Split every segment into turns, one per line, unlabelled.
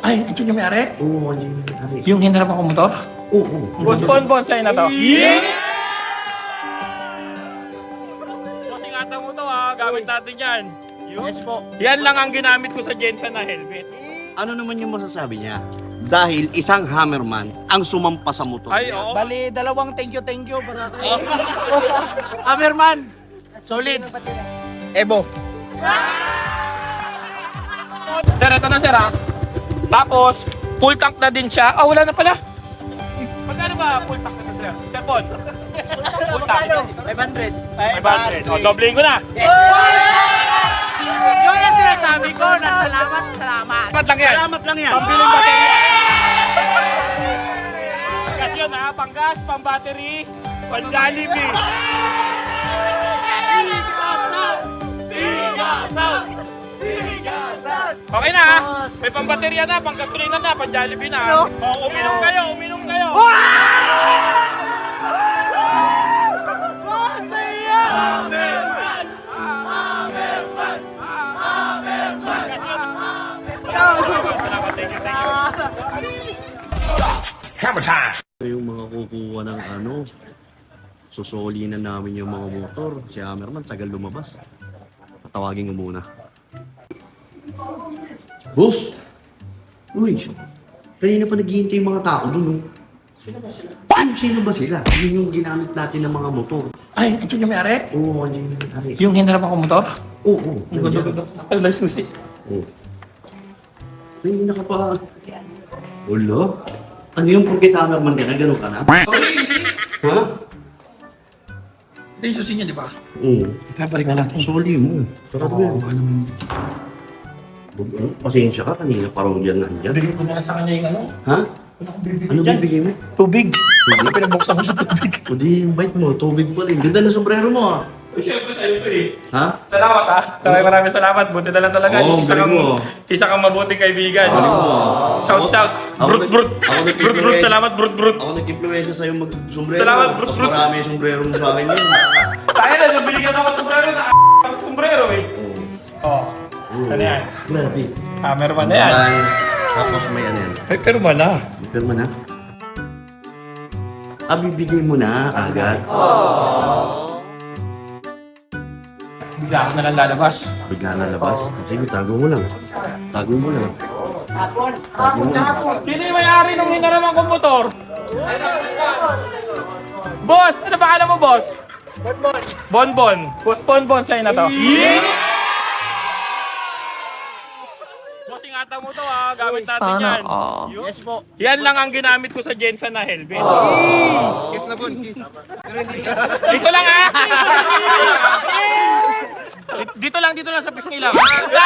Ay, ito yung may-ari?
Oo, yun yung may-ari.
Yung hinarap ako motor?
Oo.
Boss Bonbon, sa'yo na to. Boss, ingatan mo to ha. Gamit natin yan.
Yes po.
Yan lang ang ginamit ko sa Jensen na helmet.
Ano naman yung masasabi niya? Dahil isang hammerman ang sumampa sa motor
Ay,
niya.
oo.
Bali, dalawang thank you para kay Hammerman. Solid. Ebo.
Sir, ito na sir ha. Tapos, full tank na din siya. Wala na pala. Magkano ba full tank na to, sir? Sir Bon? Full tank.
500.
500. O, dobling ko na.
Yun ang sinasabi ko na salamat.
Salamat lang yan.
Salamat lang yan.
Pambiling baterya. Panggas yun ha. Panggas, pang-battery, pang-Jollibee. Okay na ha. May pang-baterya na, pang-gasolina na, pang-Jollibee na. O, uminom kayo, uminom kayo. Salamat, thank you, thank you.
Yung mga kukuha ng susoli na namin yung mga motor. Si Hammerman, tagal lumabas. Patawagin ko muna. Boss! Uy, kanina pa naghihintay yung mga tao dun. Sino ba sila? Yun yung ginamit natin ng mga motor.
Ay, ito yung may-ari?
Oo, yun yung may-ari.
Yung hinarap ako motor?
Oo,
Ang gundo-gundo. Ano lang susi?
Oo. Kanina ka pa. Ulo? Ano yung porkit Hammerman ka na? Ganun ka na?
Sorry, hindi.
Ha?
Ito yung susi niya, di ba?
Oo.
Babalik na natin.
Soli mo. Sarap mo yan.
Ano naman.
Pasensya ka, kanina parang dyan nandyan.
Bigay ko na lang sa kanya yung ano.
Ha? Ano bibigay mo?
Tubig. Pinabuksan ko sa tubig.
O di, bite mo, tubig pa rin. Ganda na sombrero mo ah.
Siyempre sa'yo ito eh.
Ha?
Salamat ha. Maraming salamat. Buti na lang talaga.
Oo, galing mo.
Isa kang mabuting kaibigan.
Galing mo.
Shout, shout.
Ako
Brut, brut.
ako nag-
Brut, brut. Salamat, brut, brut.
Ako nag-influensya sa'yo mag-sombrero.
Salamat, brut,
Mas
brut.
marami yung sombrero mo sa akin yun.
Tayo na, nung binigyan ako ng sombrero, sombrero eh.
Oo.
Ano yan?
Grabe.
Hammerman na yan.
Ay, tapos may ano yan.
Ay, pero wala.
Pirma na. Bibigay mo na agad.
Bigla ako na lang lalabas.
Bigla na labas. Sige, tago mo lang. Tago mo lang. Tago mo lang.
Sino yung may-ari nung hinaramang kong motor? Boss! Ano ba alam mo, boss? Bonbon. Bonbon. Boss Bonbon, sa'yo na to. Boss, ingatan mo to ha. Gamit natin yan.
Yes po.
Yan lang ang ginamit ko sa Jensen na helmet.
Kiss na po, kiss.
Dito lang ha! Dito lang sa pisngi lang.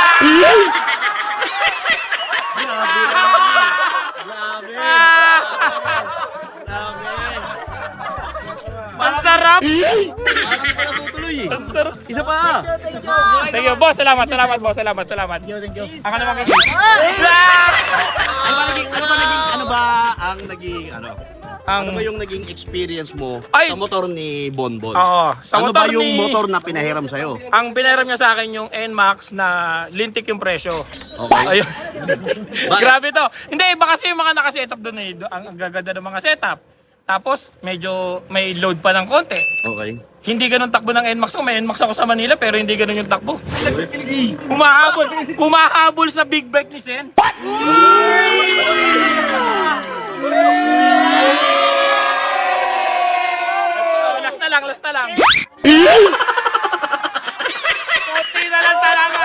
Ang sarap!
Parang ka natutuloy eh.
Ang sarap!
Isa pa!
Thank you, boss. Salamat, boss. Salamat.
Thank you.
Ako naman kayo.
Ano ba ang naging ano ba yung naging experience mo
Ay!
sa motor ni Bonbon?
Oo, sa
Ano
motor
ba yung
ni-
motor na pinahiram sa'yo?
Ang binayaran niya sa akin yung NMAX na lintik yung presyo.
Okay.
Ayun. Grabe to. Hindi, iba kasi yung mga nakasetup doon eh. Ang gaganda ng mga setup. Tapos, medyo may load pa ng konti.
Okay.
Hindi ganun takbo ng NMAX ko. May NMAX ako sa Manila pero hindi ganun yung takbo. Humahabol sa big bike ni Sen. Last na lang. Konti na lang talaga.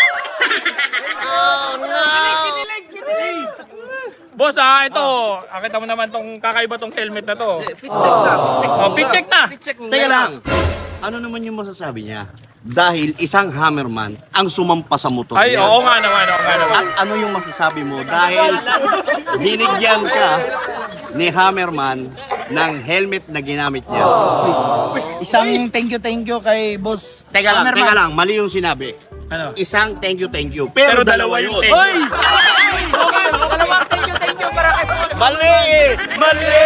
Kinilig. Boss ito. Akita mo naman tong kakaiba tong helmet na to. Pit check na.
Teka lang. Ano naman yung masasabi niya? Dahil isang hammerman ang sumampa sa motor
Ay,
niya.
oo nga naman.
At ano yung masasabi mo? Dahil binigyan ka ni hammerman ng helmet na ginamit niya.
Isang thank you kay boss.
Teka
Hammerman.
lang. Mali yung sinabi.
Ano?
Isang thank you.
Pero dalawa yun.
Hoy!
Dalawang thank you para kay boss.
Mali!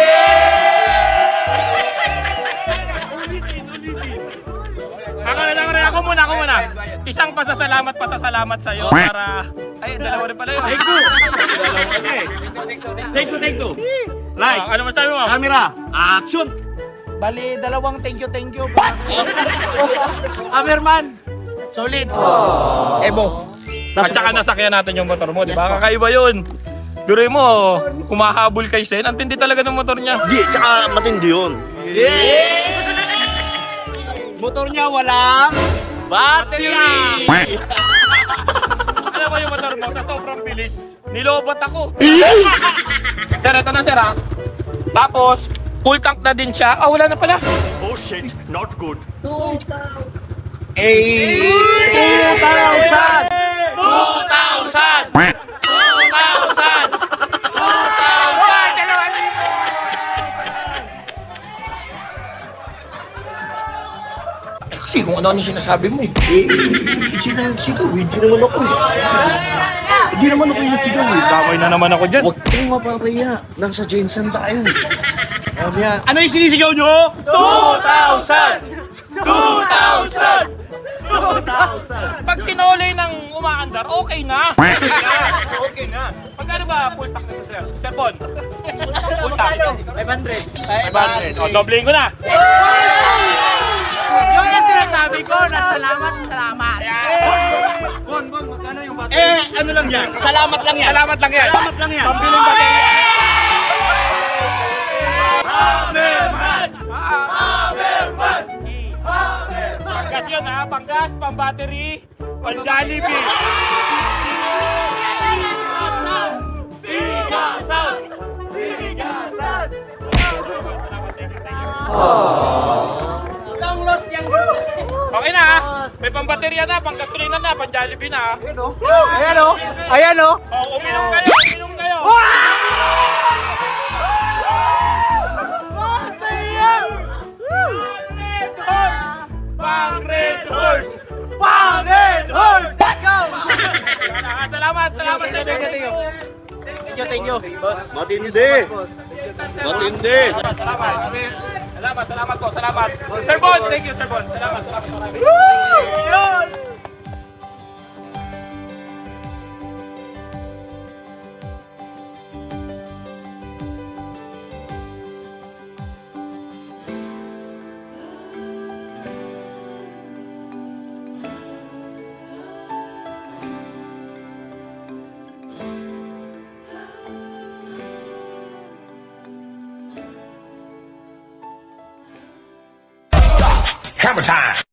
Ako muna. Isang pasasalamat sa'yo para... Ay, dalawa rin pala yun.
Take two. Lights.
Ano masabi mo?
Camera. Action.
Bali, dalawang thank you. Boss Amerman. Solid. Evo.
At saka nasakyan natin yung motor mo, di ba? Kakaiba yun. Biruin mo, kumahabol kay Sen. Ang tindi talaga ng motor niya.
Di, tsaka matindi yun. Motor niya walang battery.
Alam mo yung motor mo, sa sobrang bilis, nilobot ako. Sir, ito na sir ha. Tapos, full tank na din siya. Ah, wala na pala.
Oh shit, not good.
2,000!
Kasi kung ano yung sinasabi mo eh.
Sinasigaw, hindi naman ako eh. Hindi naman ako yung nagsigaw eh.
Damay na naman ako dyan.
Huwag kang mapapaya. Nasa Jensen tayo.
Ano yung sinisigaw nyo?
2,000!
Pag sinolay ng umaandar, okay na.
Okay na.
Magkano ba full tank na sir? Sir Bon? Full tank.
500.
500. O, dobling ko na.
Yung na sinasabi ko na salamat.
Bon, magkano yung battery? Ano lang yan? Salamat lang yan.
Salamat lang yan.
Salamat lang yan.
Pambiling baterya. Panggas yun ha, panggas, pang-battery, pang-Jollibee. Okay na ha, may pang-baterya na, pang-gasolina na, pang-Jollibee na ha.
Ayan o.
Oh, uminom kayo. Pang Red Horse!
Let's go!
Salamat sir.
Thank you, boss.
Matindi. Matindi.
Salamat po, salamat. Sir Boss, thank you, Sir Boss. Salamat.
Hammer time.